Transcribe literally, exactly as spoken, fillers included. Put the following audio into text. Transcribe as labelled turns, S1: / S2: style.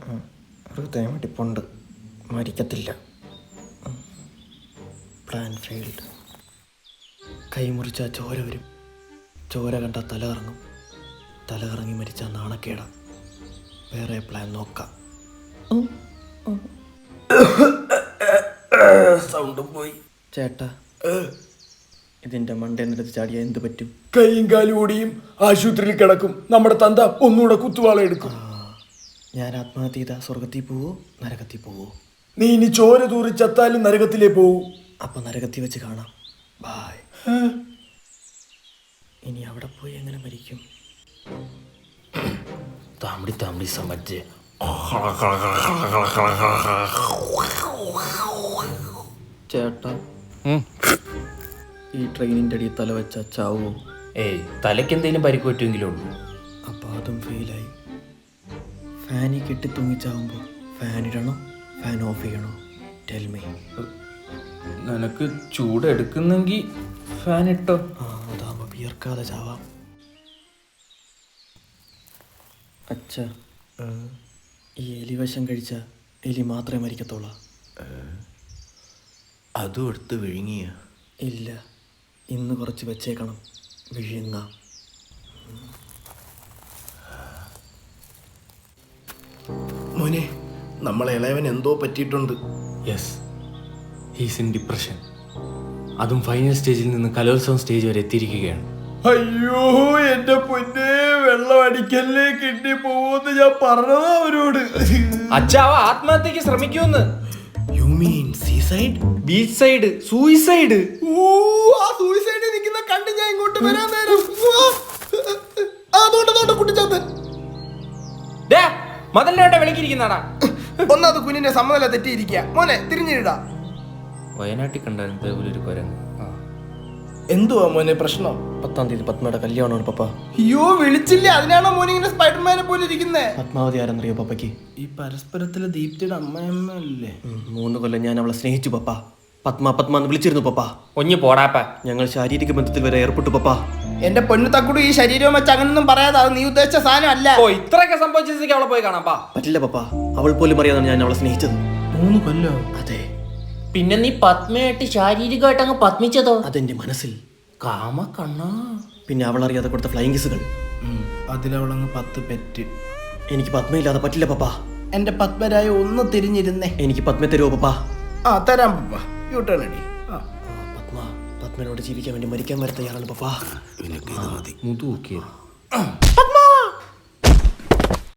S1: ഹൃദയമിടിപ്പുണ്ട്, മരിക്കത്തില്ല. Plan failed. കൈമുറിച്ചാൽ ചോര വരും, ചോര കണ്ടാൽ തല കറങ്ങും, തല കറങ്ങി മരിച്ചാൽ നാണക്കേടാ. വേറെ പ്ലാൻ നോക്കാം. സൗണ്ടും പോയി. ചേട്ടാ, ഇതിന്റെ മണ്ടേന്നെടുത്ത് ചാടിയാൽ എന്ത് പറ്റും?
S2: കൈയും കാലും ഓടിയും ആശുപത്രിയിൽ കിടക്കും. നമ്മുടെ തന്ത ഒന്നുകൂടെ കുത്തുവാള എടുക്കും.
S1: ഞാൻ ആത്മഹത്യ ചെയ്താ സ്വർഗത്തിൽ പോവോ നരകത്തിൽ പോവോ?
S2: നീ ഇനി ചോര തൂറി ചത്താലും നരകത്തിലേ പോവൂ.
S1: അപ്പൊ നരകത്തിൽ വെച്ച് കാണാം. ബായ്. ഇനി അവിടെ പോയി എങ്ങനെ മരിക്കും?
S3: താമടി താമടി സമജ്.
S1: ചേട്ടാ, ഈ ട്രെയിനിൻ്റെ അടിയിൽ തല വെച്ച ചാവോ?
S3: ഏയ്, തലയ്ക്ക് എന്തെങ്കിലും പരിക്ക് പറ്റുമെങ്കിലും ഉള്ളൂ.
S1: അപ്പോൾ അതും ഫെയിലായി. ഫാനിൽ കെട്ടി തൂങ്ങിച്ചാവുമ്പോൾ ഫാൻ ഇടണോ ഫാൻ ഓഫ് ചെയ്യണോ? Tell me.
S3: നിനക്ക് ചൂടെടുക്കുന്നെങ്കിൽ ഫാൻ ഇട്ടോ.
S1: ആ, അതാകുമ്പോൾ വിയർക്കാതെ ചാവാം. അച്ഛ, ഈ എലിവശം കഴിച്ച എലി മാത്രമേ മരിക്കത്തുള്ളൂ?
S3: അതും എടുത്ത് വിഴുങ്ങിയ?
S1: ഇല്ല, ഇന്ന് കുറച്ച് വെച്ചേക്കണം, വിഴുങ്ങാം.
S2: മോനെ, നമ്മളെ ഇളയവൻ എന്തോ പറ്റിയിട്ടുണ്ട്.
S3: Yes, he's in depression. അതും ഫൈനൽ സ്റ്റേജിൽ നിന്ന് കലോത്സവം സ്റ്റേജ് വരെ എത്തിയിരിക്കുകയാണ്.
S2: അയ്യോ എന്റെ പൊന്നെ, വെള്ളം അടിക്കല്ലേ, കിട്ടി പോവെന്ന് ഞാൻ പറഞ്ഞതാ അവരോട്.
S3: അച്ഛാവ ആത്മഹത്യക്ക് ശ്രമിക്കൂന്ന്.
S2: You mean seaside?
S3: Beach side suicide.
S2: ഓ, ആ സൂയിസൈഡിൽ നിൽക്കുന്ന കണ്ട് ഞാൻ ഇങ്ങോട്ട് വരാൻ നേരം അതോട്ട് കുട്ടിച്ചാത്തൻ
S3: മതലിനോട്ടെ വിളിക്കിരിക്കുന്നാടാ.
S2: ഒന്നത് കുഞ്ഞിന്റെ സമ്മതല തെറ്റിയിരിക്കുക. മോനെ തിരിഞ്ഞിടാ.
S3: വയനാട്ടിൽ കണ്ടായിരുന്നു ഒരു കുരങ്ങ്.
S2: എന്തുവാ മോനെ പ്രശ്നം?
S1: പത്താം തീയതി പത്മയുടെ കല്യാണമാണ് പപ്പ.
S2: അയ്യോ വിളിച്ചില്ല, അതിനാണോ മോനെ ഇങ്ങനെ സ്പൈഡർമാനെ പോലെ ഇരിക്കുന്നേ?
S1: പത്മാവതി ആരെന്നറിയോ പപ്പയ്ക്ക്?
S2: ഈ പരസ്പരത്തിലെ ദീപ്തിയുടെ അമ്മയമ്മ അല്ലേ?
S1: മൂന്ന് കൊല്ലം ഞാൻ അവളെ സ്നേഹിച്ചു പപ്പ. പത്മ പത്മ എന്ന് വിളിച്ചിരുന്നു പപ്പ.
S3: ഒഞ്ഞു പോടാപ്പ.
S1: ഞങ്ങൾ ശാരീരിക ബന്ധത്തിൽ വരെ ഏർപ്പെട്ടു പപ്പ.
S2: എന്റെ പൊന്നു തക്കുടു, ഈ ശരീരവും വെച്ച് അങ്ങനൊന്നും പറയാതെ, അത് നീ ഉദ്ദേശിച്ച സാധനം അല്ല.
S3: ഓ, ഇത്രയൊക്കെ സംഭവിച്ചേക്ക് അവളെ പോയി കാണാം.
S1: പറ്റില്ല പപ്പ, അവൾ പോലും അറിയാതാണ് ഞാൻ അവളെ സ്നേഹിച്ചത്.
S2: മൂന്ന് കൊല്ലോ?
S1: അതെ.
S3: പിന്നെ നീ പത്മയായിട്ട് ശാരീരികമായിട്ട് അങ്ങ് പത്മിച്ചതോ?
S1: അതെന്റെ മനസ്സിൽ.
S3: കാമ കണ്ണാ.
S1: പിന്നെ അവൾ അറിയാതെ കൊടുത്ത ഫ്ലൈങ് കിസുകൾ.
S2: അതിലവളങ്ങ് പത്ത് പെറ്റ്.
S1: എനിക്ക് പത്മയില്ലാതെ പറ്റില്ല പപ്പ.
S2: എന്റെ പത്മരായ ഒന്ന് തിരിഞ്ഞിരുന്നേ.
S1: എനിക്ക് പത്മ തരുമോ പപ്പ?
S2: ആ തരാം പപ്പ. യു ടേൺ അടി.
S1: പത്മ പത്മനോട് ജീവിക്കാൻ വേണ്ടി മരിക്കാൻ വരെ തയ്യാറാണ് പപ്പ.
S3: മുതു നോക്കിയത്.
S2: പത്മ